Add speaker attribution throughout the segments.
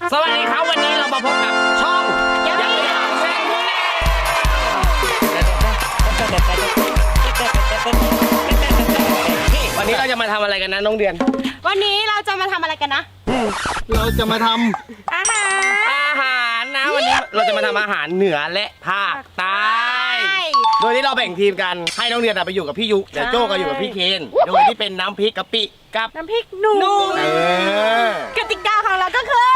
Speaker 1: สวัสดีครับวันนี้เรามาพบกับช่องยังไม่อยากแชร์วันนี้เราจะมาทำอะไรกันนะน้องเดือน
Speaker 2: วันนี้เราจะมาทำอะไรกันนะ
Speaker 3: เราจะมาทำ
Speaker 2: อาหาร
Speaker 1: นะวันนี้เราจะมาทำอาหารเหนือและภาคใต้โดยที่เราแบ่งทีมกันให้น้องเดือนไปอยู่กับพี่ยุเดี๋ยวโจ้ก็อยู่กับพี่เคนโดยที่เป็นน้ำพริกกะปิกับ
Speaker 2: น้ำพริกหนุ่มกติกาของเราก็คือ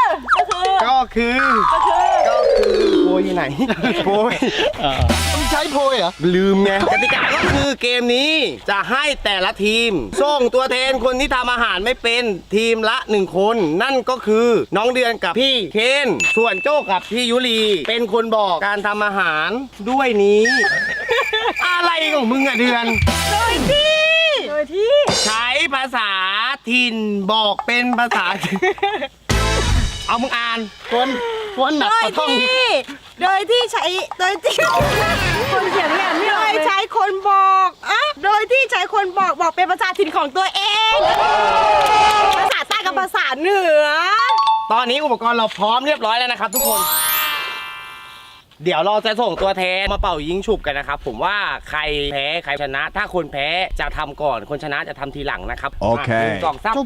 Speaker 1: โพยไหนโพย
Speaker 3: ต้องใช้โพยเหรอ
Speaker 1: ลืมไงกติกาก็คือเกมนี้จะให้แต่ละทีมส่งตัวแทนคนที่ทำอาหารไม่เป็นทีมละ1คนนั่นก็คือน้องเดือนกับพี่เคนส่วนโจ้กับพี่ยุรีเป็นคนบอกการทำอาหารด้วยนี้อะไรของมึงอะเดือน
Speaker 2: โดยที่
Speaker 1: ใช้ภาษาถิ่นบอกเป็นภาษาเอามึงอ่าน
Speaker 3: คนหนักกว่าท่อง
Speaker 2: โดยที่ใช้คนเขียนเนี่ยโดยใช้คนบอกโดยที่ใช้คนบอกเป็นภาษาถิ่นของตัวเองภาษาใต้กับภาษาเหนือ
Speaker 1: ตอนนี้อุปกรณ์เราพร้อมเรียบร้อยแล้วนะครับทุกคนเดี๋ยวเราจะส่งตัวแทนมาเป่ายิงฉุบกันนะครับผมว่าใครแพ้ใครชนะถ้าคนแพ้จะทำก่อนคนชนะจะทำทีหลังนะครับ
Speaker 3: โอเค
Speaker 1: 2 3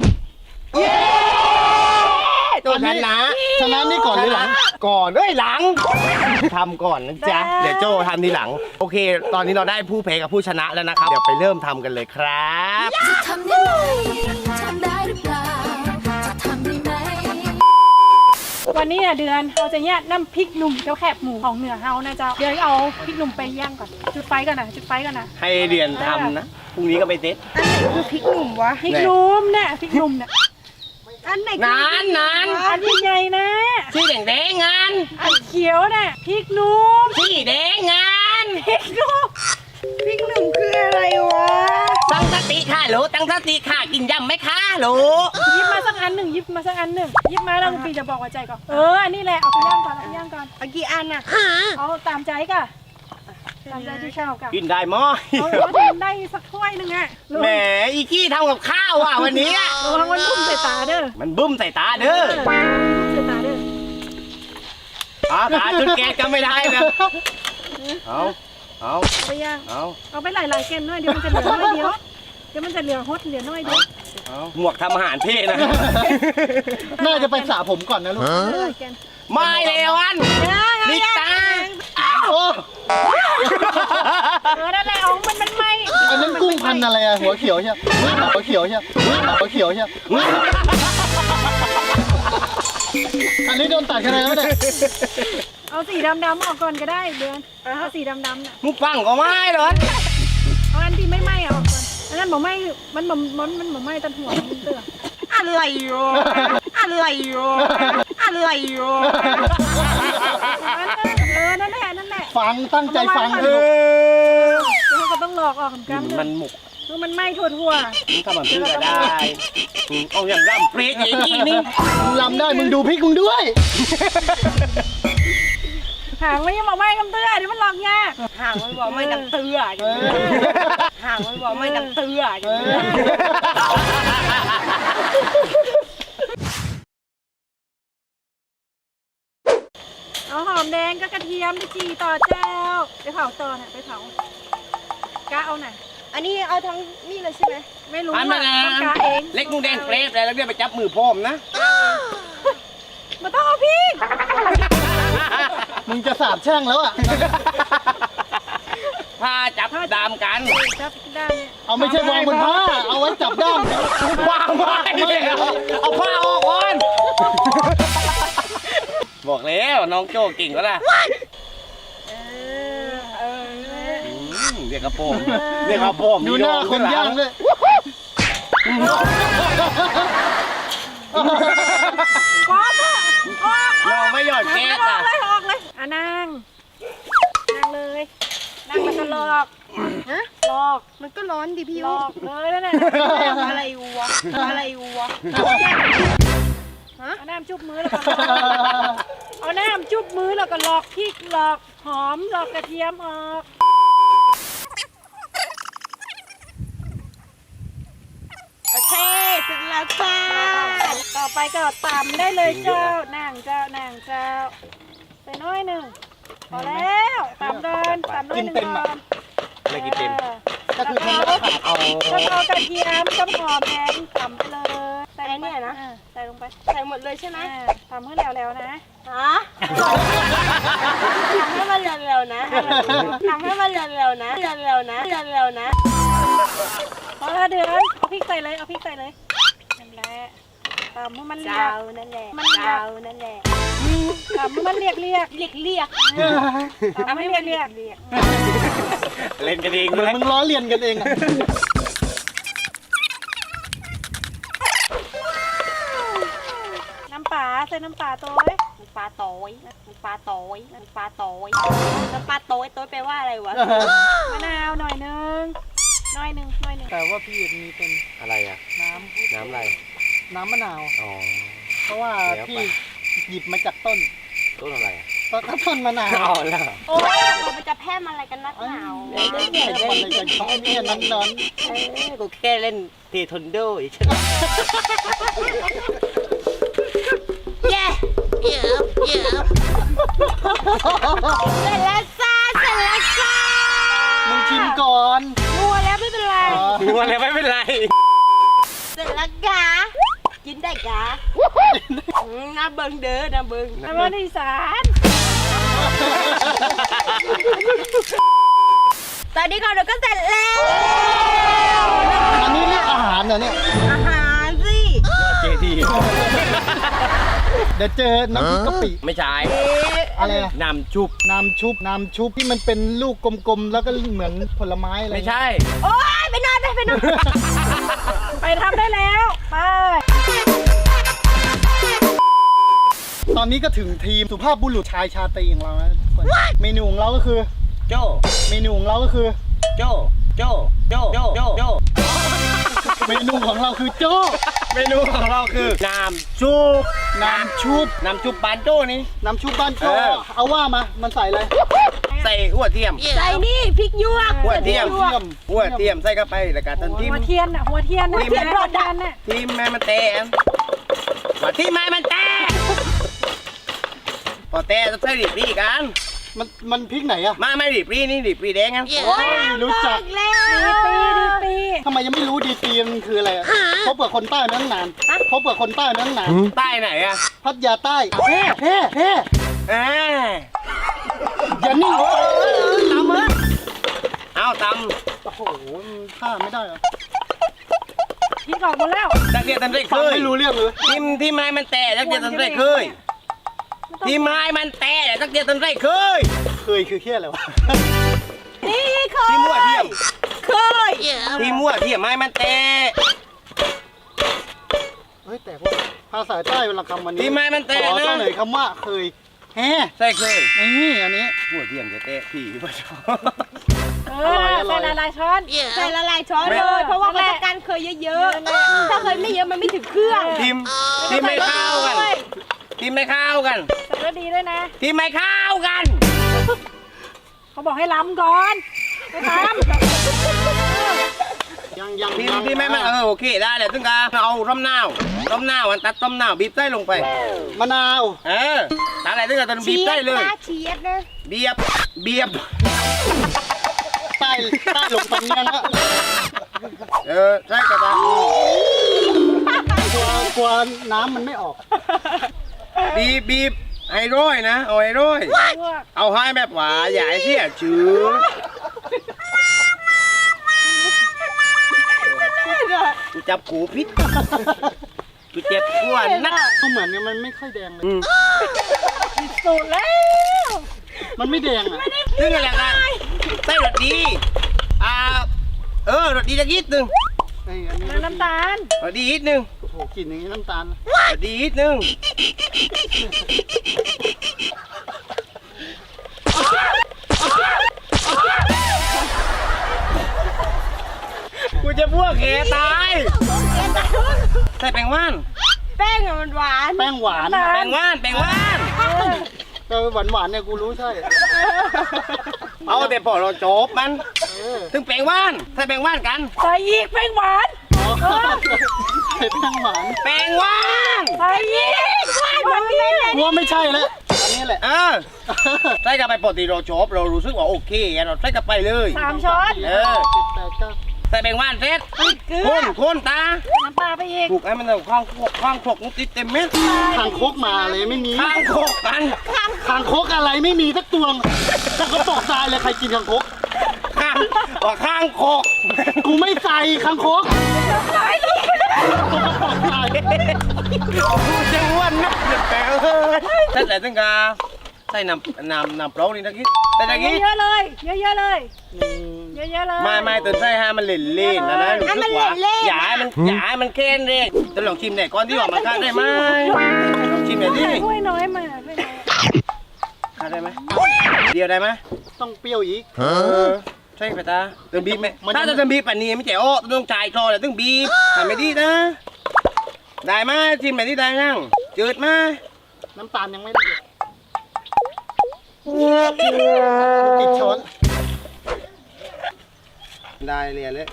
Speaker 1: ตัวชนะ
Speaker 3: นี่ก่อนหรือหลัง
Speaker 1: ก่อนหลังทำก่อนนะจ๊ะเดี๋ยวโจ้ทำทีหลังโอเคตอนนี้เราได้ผู้แพ้กับผู้ชนะแล้วนะครับเดี๋ยวไปเริ่มทำกันเลยครับ
Speaker 4: จะทำได้ไหมทำได้หรือเปล่าจะทำได้ไหม
Speaker 5: วันนี้เดือนเราจะเนี่ยน้ำพริกหนุ่มเจ้าแคบหมูของเหนือเฮานะเจ้าเดี๋ยวเอาพริกหนุ่มไปย่างก่อนจุดไฟก่อนนะ
Speaker 1: ให้เดือนทำนะพรุ่งนี้ก็ไปเซ็ต
Speaker 2: อันไหนคือพริกหนุ่มวะ
Speaker 5: พริกหนุ่มเนี่ยพริกหนุ่มเนี่ย
Speaker 2: อันไหน
Speaker 1: นาน
Speaker 5: อันใหญ่นะ
Speaker 1: ที่แดงงาน
Speaker 5: อันเขียวเนี่ยพริกหนุ่ม
Speaker 1: ที่แดงงาน
Speaker 5: พริกหนุ่ม
Speaker 2: คืออะไรวะ
Speaker 1: ตั้งสติค่ะโหลตั้งสติค่ะกินยำไหมคะโหล
Speaker 5: ยิบมาสักอันหนึ่งยิบมาแล้วลุงปีจะบอกว่าใจก่อนอันนี้แหละเอาไปย่างก่อน
Speaker 2: เอากี่อันน่ะ
Speaker 5: เอาตามใจก่ะตามใจที่ชอบก่ะ
Speaker 1: กินได้มั้ย
Speaker 5: เอาได้สักถ้วยนึงอ่ะ
Speaker 1: แหมอีกี้ทำกับข้าววันนี้
Speaker 5: มันบุ้มใส่ตาเด้อ
Speaker 1: มันบุ้มใส่ตาเด้อขาจุดแก๊สก็ไม่ได้นะเอา
Speaker 5: ไปย่างเอาไปหลายๆเกมน้อยเดี๋ยวมันจะเหลือน้อยเดียวเดี๋ยวมันจะเหลือฮดเหลือน้อยเดียว
Speaker 1: หมวกทำอาหารเท่นะ
Speaker 3: น่าจะไปสระผมก่อนนะลูก
Speaker 1: ไม่เลยวันนิตา
Speaker 5: นั่นแหละมันไม่
Speaker 3: อันนั้นกุ้งพันอะไรอะหัวเขียวใช่อันนี้โดนตัดคะแนนแล้วเนี่ย
Speaker 5: เอาสีดำออกก่อนก็ได้เดือนเอาสีดำน่ะ
Speaker 1: มุกฟังก็ไม่หรอ
Speaker 5: เอาอันที่ไม่ไหม้ออกก่อนอันนั้นบอกไหม้มันบอกไหม้ตันหัวมันเตือ
Speaker 2: อะไรอยู่
Speaker 5: นั่นแหละ
Speaker 3: ฟังตั้งใจฟัง
Speaker 5: แล้วก็ต้องหลอกออกเหมือนกัน
Speaker 1: มันหมก
Speaker 5: มันไหม้ทั่ว
Speaker 1: ทำแบบนี้ก็ได้เอาอย่างร่ำเปรี้ยอย่างนี้นี่
Speaker 3: ลำได้มึงดูพริกมึงด้วย
Speaker 5: หางไม่ยังบอกไหม้กำเตือเดี๋ยวมันหลอกยาก
Speaker 2: หางไม่บอกไม่ดังเตือหางไม่บอกไม่ดังเตือ
Speaker 5: เอาหอมแดงก็กระเทียมไปจีต่อเจ้าไปเผาต่อน่ะไปเผากะเอาหน่อย
Speaker 2: อันนี้เอาทั้งนี่เลยใช่ไหม
Speaker 5: ไม่รู้ว่าต้องกะเอง
Speaker 1: เล็กนูแดงเปรย์แล้วเดี๋ยวไปจับมือพ่อมนะ
Speaker 5: มาต้องเอาพี่
Speaker 3: มึงจะสาบแช่งแล้ว
Speaker 1: ผ้าจับดามกัน
Speaker 5: จับด้าม
Speaker 3: เอาไม่ใช่วางบนผ้าเอาไว้จับด้าม
Speaker 1: วางไว้เอาผ้าออกก่อนบอกแล้วน้องโจ้เก่งก็ล่ะเรียกกระโปรง
Speaker 3: ดูหน้าคนย่างเลย
Speaker 1: เราไม่หยอดแก๊ส
Speaker 5: ออกเลยนั่งเลยนั่งแล้วก็หลอก
Speaker 2: มันก็ร้อนดิพี่
Speaker 5: หลอกเลยนั่นแหละ
Speaker 2: อะไรวะ
Speaker 5: เอาน้ำจุบมือแล้วก็หลอกพริกหลอกหอมหลอกกระเทียมออกโอเค
Speaker 2: เสร็จแล้วจ้า
Speaker 5: ต่อไปก็ตำได้เลยเจ้านางเจ้านางเจ้าใส่น้อยหนึ่งพอแล้วตำเดินตำน้อยหนึ่งก่อน
Speaker 1: ไม่กินเต็ม
Speaker 3: ก็คือทำแล้วขาด
Speaker 1: เอา
Speaker 5: แล้วเอากระเทียมกับหอมแดงตำไปเลยใส่ลงไป
Speaker 2: ไอ้เนี่ยนะ
Speaker 5: ใส่ลงไป
Speaker 2: ใส่หมดเลยใช่ไหม
Speaker 5: ตำให้แล้วๆนะ
Speaker 2: ฮะทำให้มันเร็วๆนะทำให้มันเร็วๆนะเร็วๆนะเร็วๆนะ
Speaker 5: พอแล้วเดือนเอาพริกใส่เลยเอาพริกใส่เลยนั่นแหละตำให้มันเรีย
Speaker 2: เจ้าก นั่นแหละเจ้านั่นแหละ
Speaker 5: ตำให้มันเรียก
Speaker 2: เรียก
Speaker 5: ตำให้มันเรียก
Speaker 1: เล่นกันเอง
Speaker 3: เหมือนมึงล้อเลียนกันเองอะ
Speaker 5: น้ำปลาใส่น้ำปลาตัว
Speaker 2: มันปลาโต้ยมันปลาโต้ยมันปลาโต้ยแล้วปลาโต้ยโต้ยแปลว่าอะไรวะ
Speaker 5: มะนาวหน่อยนึงหน่อยนึง
Speaker 3: แต่ว่าพี่มีเป็น
Speaker 1: อะไรอ่ะ
Speaker 3: น้
Speaker 1: น้ำอะไร
Speaker 3: ำน้ำมะนาว
Speaker 1: อ๋อ
Speaker 3: เพราะว่า
Speaker 1: แล้วไป
Speaker 3: พี่หยิบมาจากต้น
Speaker 1: ต้นอะไรอ่ะ
Speaker 3: ต้นมะนาว
Speaker 1: อ๋อแล้ว
Speaker 2: โอ้ยมันจะแพร่มอะไรกันนักหนาว
Speaker 3: เดี๋ยวเนี่ยคนอะไรกันเขาเนี่ยนอน
Speaker 1: กูแค่เล่นเทควันโดอีก
Speaker 2: เย้เสร็จแล้วจ้าเสร็จแล้วจ้า
Speaker 3: ๆมึงชิมก่อน
Speaker 2: นัวแล้วไม่เป็นไร
Speaker 1: นึกว่าอะไรไม่เป็นไร
Speaker 2: เสร็จแล้วกะกินได้กะน้าเบิงเด้อน้าเบิง
Speaker 5: น้ำมันอีสาน
Speaker 2: ตอนนี้ก่อนเราก็เสร็จแล้ว
Speaker 3: อันนี้เรียกอาหารเหรอเนี่ย
Speaker 2: อาหารสิ
Speaker 1: เจดี
Speaker 3: เดี๋ยวเจอน้ำพริกกะปิ
Speaker 1: ไม่ใช่
Speaker 3: อะไรอะ
Speaker 1: น้ำชุบ
Speaker 3: น้ำชุบที่มันเป็นลูกกลมๆแล้วก็เหมือนผลไม้อะไร
Speaker 1: ไม่ใช่
Speaker 2: โอ๊ยไปนอนไปนอน
Speaker 5: ไปทำได้แล้วไป
Speaker 3: ตอนนี้ก็ถึงทีมสุภาพบุรุษชายชาตรีของเราแล้วทุกคนเมนูของเราก็คือ
Speaker 1: โจ
Speaker 3: เมนูของเราก็คือ
Speaker 1: โจ โจ โจ โจ โจ โจ
Speaker 3: เมนูของเราคือโจ้
Speaker 1: เมนูของเราคือน้ำชุบ
Speaker 3: น้ำชุบ
Speaker 1: น้ำชุบปานโจ้นี่
Speaker 3: น้ำชุบบ้านโจ้
Speaker 1: เออ
Speaker 3: เอาว่ามา มันใส่อะไร
Speaker 1: ใส่หัวเทียม
Speaker 2: ใส่นี่พริกหยวก
Speaker 1: หัวเทียม
Speaker 3: เทียม
Speaker 1: หัวเทียมใส่เข้าไปแล้วก็ต้นทิม
Speaker 5: หัวเทียนน่ะหัวเทียนน่ะ
Speaker 1: หัวเทียน
Speaker 5: หัวเทียนน่ะ
Speaker 1: ทีมแม่มันแตนว่าที่แม่มันแตนพอแตนจะใส่ดิบรีกัน
Speaker 3: มันพริกไหนอะ
Speaker 1: มาไม่ดิบรีนี่ดิบรีแดงกัน
Speaker 3: โอ้ยรู้จัก
Speaker 2: แล้ว
Speaker 5: ดีปี
Speaker 3: ทำไมยังไม่รู้ดีตีมันคืออะไรอะพบกับคนใต้มาตั้งนานพบกับคนใต้มาตั้งนาน
Speaker 1: ใต้ไหนอะ
Speaker 3: พัทยาใต้เฮ้เฮ้เฮ้
Speaker 1: เอ้ย
Speaker 3: อย่านิ่ง
Speaker 1: ตำเลยเอาต
Speaker 3: โอ้โหท่าไม่ได้เหรอ
Speaker 5: พริกออกหมดแล้ว
Speaker 1: ำจักเดียตันได้เค
Speaker 3: ฟัง
Speaker 1: ย
Speaker 3: ไม่รู้เรื่องเลย
Speaker 1: ทีมไม้มันแตะจักเดียตันได้เคยทีมไม้มันแตะจักเดียตันได้เคย
Speaker 3: เคยคือเฮี้ยอะไรวะ
Speaker 2: นี่เคย
Speaker 1: ทีมหัวเทียม
Speaker 2: เคย
Speaker 1: ทีมหัวเทียมไม้มันแตะ
Speaker 3: เฮ้ยแต่ว่าภาษาใต้เวลาคำวันนี้
Speaker 1: ทีมไม้มัน
Speaker 3: ข
Speaker 1: แตะ
Speaker 3: อ
Speaker 1: นะ
Speaker 3: เสนอคำว่าเคยแฮ่
Speaker 1: ใช่เคย
Speaker 3: นี่อันนี้
Speaker 1: หัวเทียมจะแตะผีป่ะชอบ
Speaker 5: เอ
Speaker 3: อร่
Speaker 5: อ
Speaker 3: อย
Speaker 5: ใส่หลายๆช้อน
Speaker 2: ใส่ละลายช้อนเลยเพราะว่าเขาต้องการเคยเยอะๆถ้าเคยไม่เยอะมันไม่ถึงเครื่อง
Speaker 1: ทีมไม่เข้ากันทีมไม่เข้ากัน
Speaker 5: ใส่แล้วดีด้วยนะ
Speaker 1: ทีมไม่เข้ากัน
Speaker 5: เขาบอกให้ล้ำก่อนไปท
Speaker 3: ยัง
Speaker 1: ทีมไม่มันโอเคได้เลยถึงการเอาต้มนาวอันตัดต้มนาวบีบไส้ลงไป
Speaker 3: มะนาว
Speaker 1: ตัดอะไรถึงการตัดบีบไส้เลย
Speaker 2: เชียดนะ
Speaker 1: เบียบ
Speaker 3: ใต้ลงตรงนี้แล้ว
Speaker 1: ใช่กระตาก
Speaker 3: ลัวน้ำมันไม่ออก
Speaker 1: บีบให้ร้อยนะเอาให้ร้อย
Speaker 5: ำพวก
Speaker 1: เอาให้แบบว่าอย่าให้เสียชื่อกูจับกูพิษกูเจ็บกวนนัก
Speaker 3: ก็เหมือนเนี่ยมันไม่ค่อยแดงเลย
Speaker 5: สูตรแล้ว
Speaker 3: มันไม่แดงอ่ะ
Speaker 1: ซึ่งอะไรกันไส้รสดีรสดีจะยิดนึง
Speaker 3: ไอ้อันนี้
Speaker 5: แล้วน้ำตาล
Speaker 1: รสดียิดนึง
Speaker 3: โอ้โหกลิ่นอย่างนี้น้ำตาล
Speaker 1: รสดียิดนึงกูจะพวกแกตายใส่แป้งว่าน
Speaker 2: แป้งอะมันหวาน
Speaker 3: แป้งหวาน
Speaker 1: แป้งว่าน
Speaker 3: แต่หวานเนี่ยกูรู้ใช่
Speaker 1: เอาแต่พอเราจบมัน
Speaker 3: เออ
Speaker 1: ถึงแป้งว่านใส่แป้งว่านกัน
Speaker 5: ใส่อีกแป้งหวาน
Speaker 3: อ๋อใส่แป้งหวาน
Speaker 1: แปลงว่าง
Speaker 5: ใส่อีกว่านมันนี่
Speaker 3: กลัวไม่ใช่แล้วอันนี้แหละ
Speaker 1: ใส่กันไปปกติเราชอบเรารู้สึกว่าโอเคเราใส่กันไปเลย
Speaker 5: 3 ช้อน
Speaker 1: ใส่แปลงว่านเสร็จ
Speaker 5: เกลือ
Speaker 1: คนตา
Speaker 5: น้ำปลาไปอีก
Speaker 1: ถูกให้มันเอาข้างครกนุติดเต็มเม็ด
Speaker 3: คางคกมาเลยไม่มี
Speaker 1: ข้างครกกัน
Speaker 3: คางคกอะไรไม่มีสักตัวแต่ก็ตกตายเลยใครกินคางคก
Speaker 1: ข้างว่าข้างครก
Speaker 3: กูไม่ใส่คางคกตัวก็ตกตาย
Speaker 1: กูจะอ้วนนักเดือดแปลงเฮ้ยใส่ตั้งกาใส่น้ำเปล่านี่ตะกี้แต่ตะกี้
Speaker 5: เยอะๆเลยเยอะๆเลยเยอะๆเลย
Speaker 1: ไม่ตื่นใส่ให้มันเล่นๆนะรู้สึกว่าอย่าให้มันเค้นเลยจะลองชิมหน่อยก่อนที่ว่ามันคาดได้ไหมลองชิมหน่อยดิ
Speaker 5: ถ้วยน้อยมาถ้วยน้อย
Speaker 1: คาดได้ไหมเดียวได้ไหม
Speaker 3: ต้องเปรี้ยวอีก
Speaker 1: ใช่ไหมตาเติมบีบไหมถ้าจะเติมบีบป่านนี้ไม่เจ๋อต้องจ่ายคอแต่ต้องบีบทำไม่ดีนะได้ไหมชิมหน่อยที่ได้ยังจืดไหม
Speaker 3: น้ำตาลยังไม่ละเอียดติดช้อน
Speaker 1: ได้เลยเลย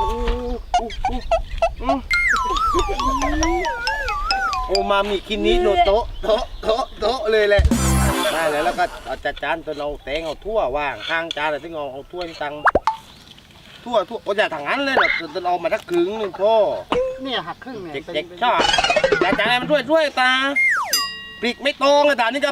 Speaker 1: โอมามิคินิโนโตะเลยแหละได้เลยแล้วก็เอาจัดจานตัวเราแตงเอาทั่วว่างข้างจานเลยที่เอาถ้วยตังทั่วโอ้ยถังนั้นเลยเราเอามาทักครึ่งนึงพ่อ
Speaker 3: เนี่ยหักครึ่งเนี่ย
Speaker 1: เด็กชอบแต่จานอะไรมันช่วยตาปลิกไม่ตรงเลยตานี่จะ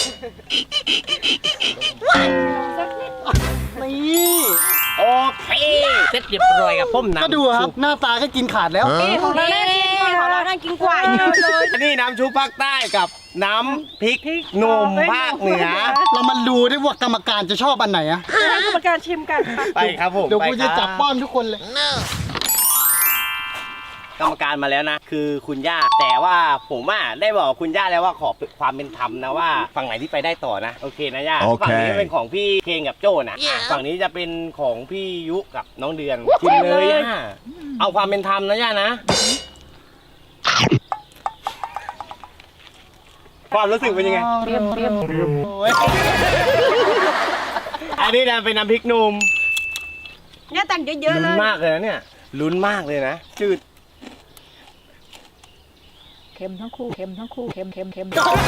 Speaker 3: นี่
Speaker 1: โอเคเสร็จเรียบร้อยกับผมน้ำ
Speaker 3: ก็ดูครับหน้าตาก็กินขาดแล้ว
Speaker 2: ของเราน่ากินกว่าของเราน่ากินกว่าเยอะเลย
Speaker 1: อันนี้น้ำชุบภาคใต้กับน้ำพริกหนุ่มภาคเหนือ
Speaker 3: เรามาดูได้ว่ากรรมการจะชอบอันไหนอะ
Speaker 5: ให้กรรมการชิมกัน
Speaker 1: ไปครับผม
Speaker 3: เดี๋ยวกู
Speaker 1: ไปค
Speaker 3: จะ
Speaker 1: รับ
Speaker 3: จับป้อนทุกคนเลย
Speaker 1: กรรมการมาแล้วนะ คือคุณย่าแต่ว่าผมได้บอกคุณย่าแล้วว่าขอความเป็นธรรมนะว่าฝั่งไหนที่ไปได้ต่อนะโอเคนะย่า
Speaker 6: โอเค
Speaker 1: ฝั่งนี้เป็นของพี่เคนกับโจ้นะฝั่งนี้จะเป็นของพี่ยุกับน้องเดือนชิมเลยย่าเอาความเป็นธรรมนะย่านะความรู้สึกเป็นยังไง
Speaker 3: เรียม
Speaker 1: อันนี้นะเป็นน้ำพริกหนุ่ม
Speaker 2: เนี่ยตักเยอะๆเล
Speaker 1: ลุ้น
Speaker 2: ย
Speaker 1: มากเลยนะเนี่ยลุ้นมากเลยนะจืด
Speaker 5: เค็มทั้งคู่เค็มเค็ม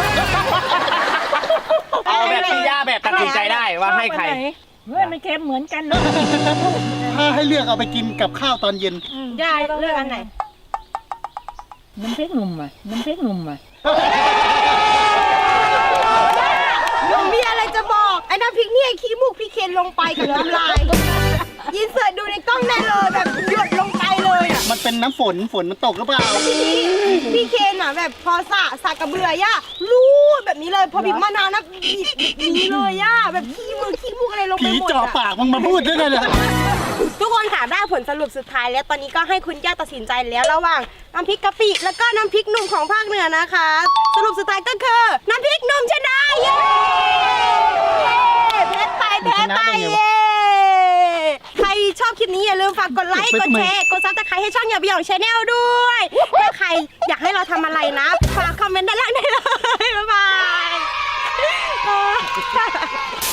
Speaker 1: เอาแบบที่ย่าแบบตัดสินใจได้ว่าให้ใคร
Speaker 5: เฮ้ยมันเค็มเหมือนกันเนาะ
Speaker 3: ถ้าให้เลือกเอาไปกินกับข้าวตอนเย็น
Speaker 2: ยายเลือกอันไหน
Speaker 5: น้ำพริกหนุ่มอ่ะ
Speaker 2: หนูมีอะไรจะบอกไอ้น้ำพริกเนี่ยขี้มูกพี่เคนลงไปกับน้ำลายยินเสิร์ตดูในกล้องได้เลยแบบหยดลงไปเลยอ่ะ
Speaker 3: มันเป็นน้ำฝนมันตกหรือเปล่า
Speaker 2: ทีนี้พี่เคนอ่ะแบบพอสากกระเบือย่ารูดแบบนี้เลยพอบีบมะนาวนะบีบแบบนี้เลยย่าแบบขี้มูกอะไรลงไป
Speaker 3: ผี
Speaker 2: หมด
Speaker 3: จ่อ
Speaker 2: อ่ะ
Speaker 3: ปากมึงมาพูดด้วยกันเลย
Speaker 2: ทุกคนค่ะได้ผลสรุปสุดท้ายแล้วตอนนี้ก็ให้คุณย่าตัดสินใจแล้วระหว่างน้ำพริกกะปิแล้วก็น้ำพริกหนุ่มของภาคเหนือนะคะ สรุปสุดท้ายก็คือน้ำพริกหนุ่มชนะเย้แพ้ไปเย้ใครชอบคลิปนี้อย่าลืมฝากกดไลค์กดแชร์กดซับสไครต์ให้ช่องอย่าเบี่ยงชาแนลด้วยถ้าใครอยากให้เราทำอะไรนะฝากคอมเมนต์ด้านล่างได้เลยบ๊ายบาย